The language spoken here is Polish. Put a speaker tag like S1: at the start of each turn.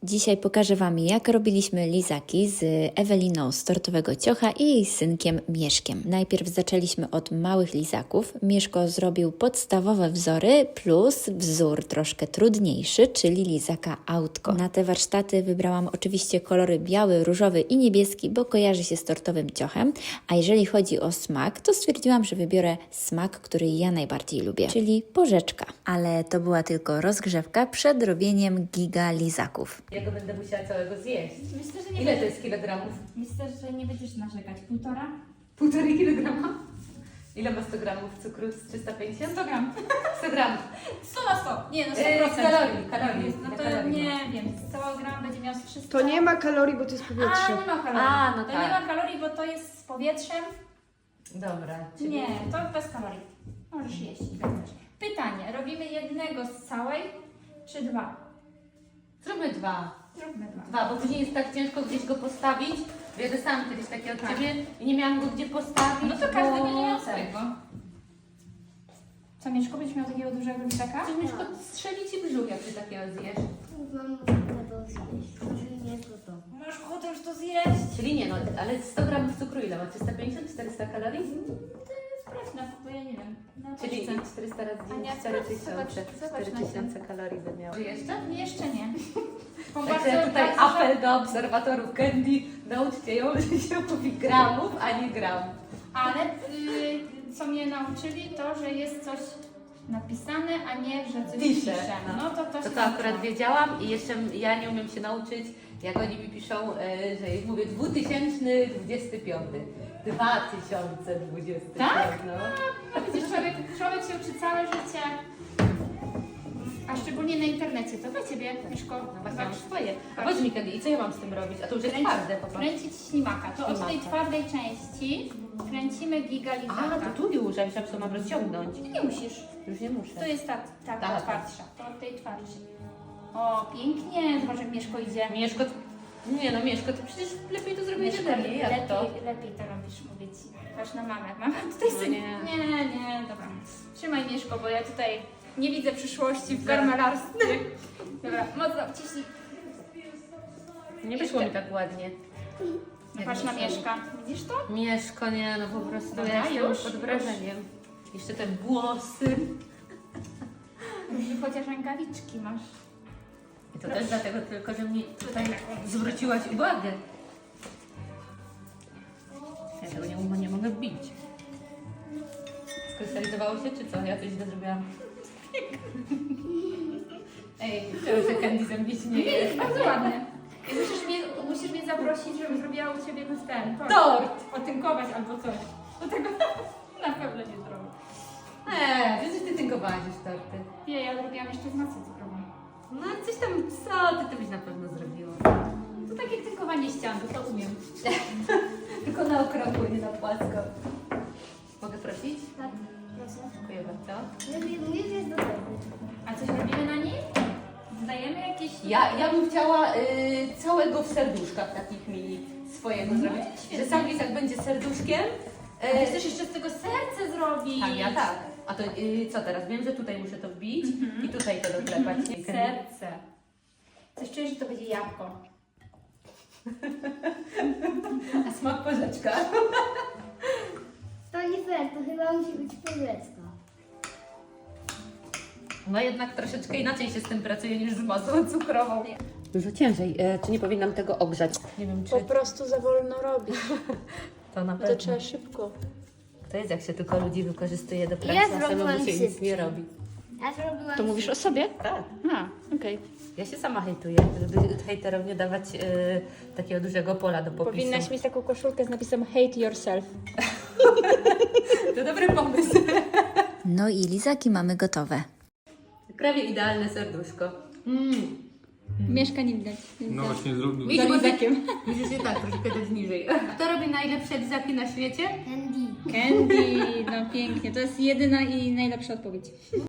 S1: Dzisiaj pokażę Wam, jak robiliśmy lizaki z Eweliną z Tortowego Ciocha i jej synkiem Mieszkiem. Najpierw zaczęliśmy od małych lizaków. Mieszko zrobił podstawowe wzory plus wzór troszkę trudniejszy, czyli lizaka autko. Na te warsztaty wybrałam oczywiście kolory biały, różowy i niebieski, bo kojarzy się z Tortowym Ciochem. A jeżeli chodzi o smak, to stwierdziłam, że wybiorę smak, który ja najbardziej lubię, czyli porzeczka. Ale to była tylko rozgrzewka przed robieniem giga lizaków.
S2: Ja go będę musiała całego zjeść.
S3: Myślę, że nie
S2: Ile to jest kilogramów?
S3: Myślę, że nie będziesz narzekać. 1,5?
S2: 1,5 kilograma? Ile ma 100 gramów cukru z 350?
S3: 100 gram.
S2: 100 gramów.
S3: 100 na 100. Nie, no 100%.
S2: Kalorii.
S3: No
S2: Ile
S3: to
S2: kalorii
S3: nie
S2: ma?
S3: wiem, 100 gram będzie miał 300.
S4: To nie ma kalorii, bo to jest
S3: A,
S4: powietrze.
S3: nie ma kalorii.
S2: A, no
S3: to
S2: tak.
S3: nie ma kalorii, bo to jest z powietrzem.
S2: Dobra. Czyli...
S3: Nie, to bez kalorii. Możesz jeść. Pytanie, robimy jednego z całej, czy dwa?
S2: Zróbmy 2.
S3: Zróbmy dwa.
S2: 2, bo później jest tak ciężko gdzieś go postawić. Ja dostałam kiedyś takie od
S3: Tak.
S2: Ciebie i nie miałam go gdzie postawić.
S3: No to każdy
S2: bo...
S3: będzie miał swojego. Co, Mieszko, będziesz miał takiego dużego lizaka?
S2: Chcesz Mieszko strzeli Ci brzuch, jak Ty takiego zjesz.
S5: Mam ochotę zjeść, że nie to.
S3: Masz ochotę już to zjeść?
S2: Czyli nie, no, ale 100 gramów cukru ile ma? 350, 400 kalorii?
S3: Sprawdź na bo ja nie wiem. Na
S2: Czyli
S3: paczce.
S2: 400 razy
S3: Ania,
S2: 4000.
S3: zobacz na
S2: 4000 kalorii by miało. Jeszcze?
S3: Jeszcze nie. Bo
S2: Także tutaj apel do obserwatorów Candy. Nauczcie ją, że się mówi gramów, a nie gram.
S3: Ale co mnie nauczyli, to, że jest coś napisane, a nie, że coś
S2: Pisze,
S3: pisze.
S2: no.
S3: No to się
S2: To akurat wiedziałam i jeszcze ja nie umiem się nauczyć, jak oni mi piszą, że mówię 2025. 2025.
S3: Tak?
S2: No.
S3: No widzisz, człowiek się uczy całe życie. A szczególnie na internecie. To dla Ciebie, Mieszko,
S2: No właśnie,
S3: zobacz
S2: mam swoje. A powiedz mi Candy, i co ja mam z tym robić? A to już jest twarde, popatrz.
S3: Kręcić ślimaka. To od tej
S2: Ślimaka.
S3: twardej części kręcimy gigalizaka.
S2: A, to tu już, ja myślałam, że to mam rozciągnąć.
S3: Nie musisz.
S2: Już nie muszę.
S3: To jest ta
S2: Tak.
S3: twardsza. To od tej twardszej. O, pięknie. Zobacz, jak Mieszko idzie.
S2: Mieszko, nie no Mieszko, ty przecież lepiej to zrobiłeś ode mnie, jak to?
S3: lepiej to robisz, mówię Ci. Patrz na mamę. Mama tutaj
S2: No
S3: sobie...
S2: nie.
S3: Nie, dobra. Trzymaj Mieszko, bo ja tutaj nie widzę przyszłości w garmelarstwie. Dobra, mocno wciśnij.
S2: Nie wyszło mi tak ładnie.
S3: Patrz na Mieszka. Widzisz to?
S2: Mieszko, nie no po prostu
S3: Dobra,
S2: ja jestem
S3: już?
S2: pod wrażeniem. Jeszcze te włosy.
S3: Może chociaż rękawiczki masz.
S2: I to też dlatego tylko, że mi tutaj zwróciłaś uwagę. Ja tego nie mogę wbić. Skrystalizowało się, czy co? Ja coś źle zrobiłam. Ej, to się Candy ze mnie śmieje.
S3: Jest bardzo ładnie. I musisz mnie zaprosić, żebym zrobiła u Ciebie ten
S2: Tort!
S3: Potynkować albo coś. Do tego na pewno nie zrobię.
S2: Wiesz, że ty tynkowałaś już torty.
S3: Nie, ja zrobiłam jeszcze z masą cukrową.
S2: No coś tam, co ty byś na pewno zrobiła?
S3: To takie tynkowanie ścian, to umiem.
S2: Tylko na okrągło, nie na płasko. Mogę prosić?
S5: Tak, proszę.
S2: Dziękuję bardzo.
S5: Mówię, że jest do tego.
S3: A coś robimy na nim? Dodajemy jakieś...
S2: Ja bym chciała całego w serduszkach takich mini swojego zrobić. Że sam lizak będzie serduszkiem.
S3: Ty chcesz jeszcze z tego serce zrobić?
S2: Tak, ja tak. A to co teraz? Wiem, że tutaj muszę to wbić i tutaj to doklepać. Nie?
S3: Serce. Coś czuję, że to będzie jabłko.
S2: A smak porzeczka.
S5: To nie fair, to chyba musi być powiedzka.
S2: No jednak troszeczkę inaczej się z tym pracuje niż z masą cukrową. Dużo ciężej. Czy nie powinnam tego ogrzać? Nie wiem, czy
S4: Po prostu za wolno robić.
S2: to na
S4: To
S2: pewno.
S4: trzeba szybko.
S2: To jest jak się tylko ludzi wykorzystuje do pracy,
S5: Ja
S2: a samemu
S5: zrobiłam
S2: się nic
S5: szybciej.
S2: nie robi.
S5: Ja zrobiłam...
S4: To mówisz o sobie?
S2: Tak.
S4: A, okej.
S2: Ja się sama hejtuję, żeby hejterom nie dawać takiego dużego pola do popisu.
S4: Powinnaś mieć taką koszulkę z napisem Hate Yourself.
S2: To dobry pomysł.
S1: No i lizaki mamy gotowe.
S2: Prawie idealne serduszko.
S3: Mieszka nie widać.
S6: No właśnie zrobił.
S2: Widzisz, lizakiem. Musisz je tak troszkę dać niżej. Kto robi najlepsze lizaki na świecie?
S5: Candy.
S3: Candy, no pięknie. To jest jedyna i najlepsza odpowiedź.